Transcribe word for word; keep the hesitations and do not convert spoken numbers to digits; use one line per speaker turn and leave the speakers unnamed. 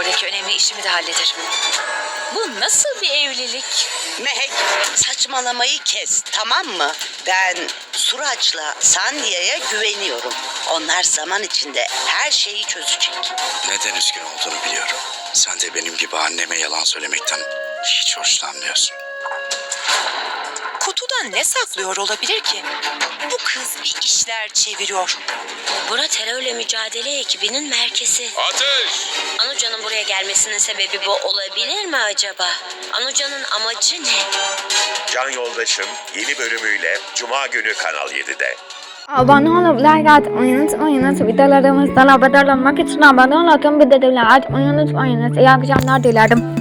Oradaki önemli işimi de hallederim. Bu nasıl bir evlilik?
Mehek, saçmalamayı kes, tamam mı? Ben Suraç'la Sandia'ya güveniyorum. Onlar zaman içinde her şeyi çözecek.
Neden üzgün olduğunu biliyorum. Sen de benim gibi anneme yalan söylemekten hiç hoşlanmıyorsun.
Kutuda ne saklıyor olabilir ki? Bu kız bir işler çeviriyor.
Bura terörle mücadele ekibinin merkezi.
Ateş!
Anuca'nın buraya gelmesinin sebebi bu olabilir mi acaba? Anuca'nın amacı ne?
Can Yoldaşım yeni bölümüyle Cuma günü Kanal yedide.
Abone olup like atmayınız. Oyunuz videolarımızdan haberdar olmak için abone olun. Bildirimleri açmayı unutmayınız. İyi akşamlar dilerim.